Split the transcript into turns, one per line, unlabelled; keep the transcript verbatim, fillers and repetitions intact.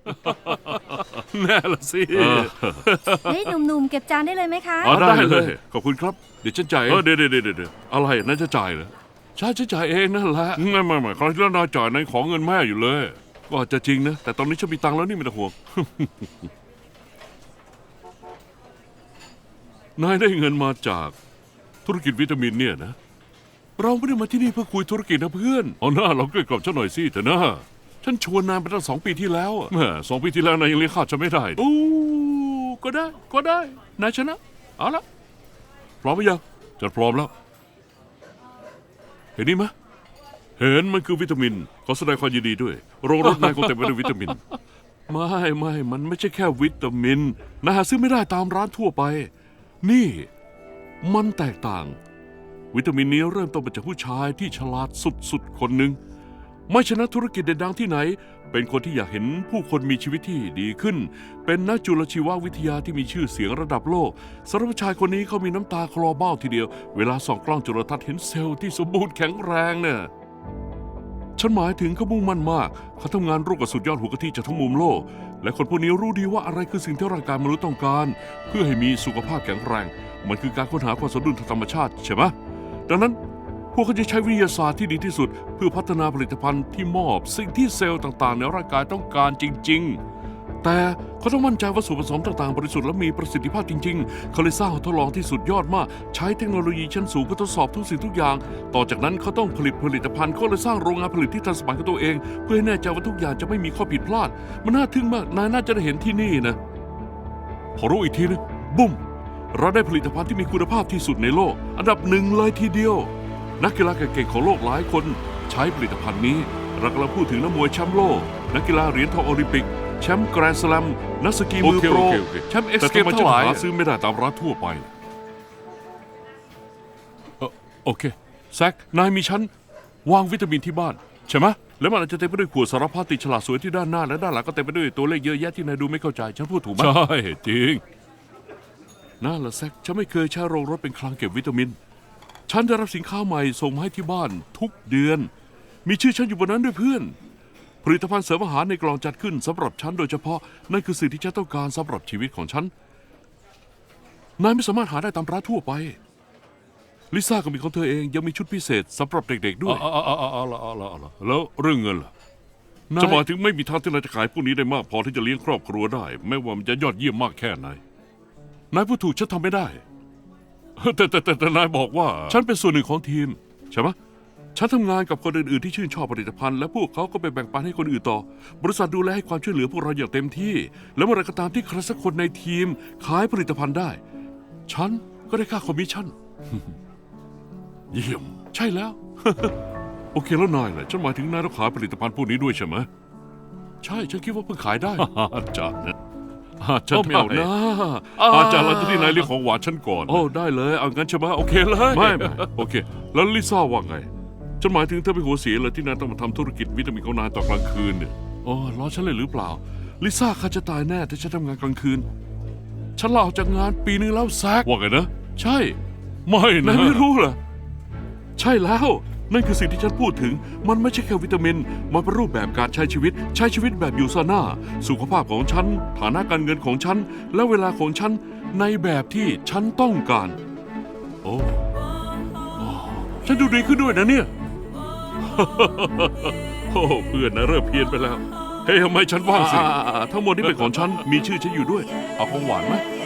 แน่ละสิ
เฮ้ยหนุ่มๆเก็บจานได้เลยไหมคะ
อ๋อได้เลย
ขอบคุณครับเดี๋ยวฉันจ่าย
เออเดี๋ยวเดี๋ยวเดี๋ยวเดี๋ยวอะไรนั่นจะจ่ายเหรอ
ใช่ฉันจ่ายเองนั่นแหละ
ไม่ไม่ไม่คราวที่แล้วนายจ่ายนายขอเงินแม่อยู่เลย ก็อาจจะจริงนะแต่ตอนนี้ฉันมีตังค์แล้วนี่ไม่ต้องห่วง นายได้เงินมาจากธุรกิจวิตามินเนี่ยนะ เราไม่ได้มาที่นี่เพื่อคุยธุรกิจนะเพื่อนเอาหน้าเราเกลี้ยกล่อมฉันหน่อยสิเถอะนะฉันชวนนายไปตั้งสองปีที่แล้วอะแม่สองปีที่แล้วนายยังเลี้ยงข้าวฉันไม่ได้อู้ก็ได้ก็ได้นายชนะเอาละพร้อมไหมยังฉันพร้อมแล้วเห็นนี่ไหมเห็นมันคือวิตามินขอแสดงความยินดีด้วยโรงรถนายคงเต็มไปด้วยวิตามิน ไม่ไม่มันไม่ใช่แค่วิตามินนายหาซื้อไม่ได้ตามร้านทั่วไป นี่มันแตกต่าง วิตามินนี้เริ่มต้นมาจากผู้ชายที่ฉลาดสุดๆคนหนึ่งไม่ชนะธุรกิจเด่นดังที่ไหน เป็นคนที่อยากเห็นผู้คนมีชีวิตที่ดีขึ้น เป็นนักจุลชีววิทยาที่มีชื่อเสียงระดับโลกสำหรับผู้ชายคนนี้เขามีน้ำตาคลอเบ้าทีเดียวเวลาส่องกล้องจุลทรรศน์เห็นเซลล์ที่สมบูรณ์แข็งแรงเนี่ยฉันหมายถึงเขามุ่งมั่นมากเขาทำงานร่วมกับสุดยอดหัวกะทิจากทั้งมุมโลกและคนพวกนี้รู้ดีว่าอะไรคือสิ่งที่ร่างกายมนุษย์ต้องการ เพื่อให้มีสุขภาพแข็งแรงมันคือการค้นหาความสมดุลทางธรรมชาติใช่ไหมดังนั้นพวกเขาจะใช้วิทยาศาสตร์ที่ดีที่สุดเพื่อพัฒนาผลิตภัณฑ์ที่มอบสิ่งที่เซลล์ต่างๆในร่างกายต้องการจริงๆแต่เขาต้องมั่นใจว่าส่วนผสมต่างๆบริสุทธิ์และมีประสิทธิภาพจริงๆเขาเลยสร้างห้องทดลองที่สุดยอดมากใช้เทคโนโลยีชั้นสูงเพื่อทดสอบทุกสิ่งทุกอย่างต่อจากนั้นเขาต้องผลิตผลิตภัณฑ์เขาเลยสร้างโรงงานผลิตที่ทันสมัยของตัวเองเพื่อให้แน่ใจว่าทุกอย่างจะไม่มีข้อผิดพลาดมันน่าทึ่งมากนายน่าจะได้เห็นที่นี่นะพอรู้อีกทีนึงบุ้มเราได้ผลิตภัณฑ์ที่มีคุณภาพที่สุดในโลกอันดับหนึ่งเลยทีเดียวนักกีฬาเก่งๆของโลกหลายคนใช้ผลิตภัณฑ์นี้เรากำลังพูดถึงนักมวยแชมป์โลกนักกีฬาเหรียญทองโอลิมปิกแชมป์แกรนด์สแลมนักสกีมือโปรแชมป์เอ็กซ์เกมทั้งหลายหาซื้อไม่ได้ตามร้านทั่วไปเอ่อโอเคแซคนายมีชั้นวางวิตามินที่บ้านใช่ไหมแล้วมันอาจจะเต็มไปด้วยขวดสารพัดติดฉลากสวยที่ด้านหน้าและด้านหลังก็เต็มไปด้วยตัวเลขเยอะแยะที่นายดูไม่เข้าใจฉันพูดถูกไหมใช่จริงนั่นแหละแซคฉันไม่เคยใช้โรงรถเป็นคลังเก็บวิตามินฉันได้รับสินค้าใหม่ส่งมาให้ที่บ้านทุกเดือนมีชื่อฉันอยู่บนนั้นด้วยเพื่อนผลิตภัณฑ์เสริมอาหารในกล่องจัดขึ้นสำหรับฉันโดยเฉพาะนั่นคือสิ่งที่ฉันต้องการสำหรับชีวิตของฉันนายไม่สามารถหาได้ตามร้านทั่วไปลิซ่าก็มีของเธอเองยังมีชุดพิเศษสำหรับเด็กๆด้วยอ๋ออ๋ออ๋ออ๋ออ๋อแล้วเรื่องเงินล่ะจะหมายถึงไม่มีทางที่นายจะขายพวกนี้ได้มากพอที่จะเลี้ยงครอบครัวได้ไม่ว่ามันจะยอดเยี่ยมมากแค่ไหนนายพูดถูกฉันทำไม่ได้แต่แต่แต่แต่นายบอกว่าฉันเป็นส่วนหนึ่งของทีมใช่ไหมฉันทำงานกับคนอื่นๆที่ชื่นชอบผลิตภัณฑ์และพวกเขาก็ไปแบ่งปันให้คนอื่นต่อบริษัทดูแลให้ความช่วยเหลือพวกเราอย่างเต็มที่และเมื่อไรก็ตามที่ใครสักคนในทีมขายผลิตภัณฑ์ได้ฉันก็ได้ค่าคอมมิชชั่น เยี่ยมใช่แล้ว โอเคแล้วนายล่ะฉันหมายถึงนายต้องขายผลิตภัณฑ์พวกนี้ด้วยใช่ไหมใช่ฉันคิดว่าเพิ่งขายได้ อาจารย์นะอาจารย์ไม่เอานะอาจารย์เราจะที่นายเรียกของหวานฉันก่อนโอ้ได้เลยเอางั้นใช่ไหมโอเคเลยไม่ไม่โอเคแล้วลิซ่าว่าไงฉันหมายถึงเธอเป็นหัวเสียเลยที่นายต้องมาทำธุรกิจวิตามินของนายตอนกลางคืนเนี่ยอ๋อล้อฉันเลยหรือเปล่าลิซ่าข้าจะตายแน่ถ้าฉันทำงานกลางคืนฉันลาออกจากงานปีนึงแล้วแซกว่าไงนะใช่ไม่นะนายไม่รู้เหรอใช่แล้วนั่นคือสิ่งที่ฉันพูดถึงมันไม่ใช่แค่วิตามินมันเป็นรูปแบบการใช้ชีวิตใช้ชีวิตแบบอยู่ซาน่าสุขภาพของฉันฐานะการเงินของฉันและเวลาของฉันในแบบที่ฉันต้องการโอ้ฉันดูดีขึ้นด้วยนะเนี่ย โอ้เพื่อนนะเริ่มเพี้ยนไปแล้วเฮ้ยทำไมฉันว่างสิทั้งหมดที่เป็นของฉันมีชื่อฉันอยู่ด้วยเอาของหวานไหม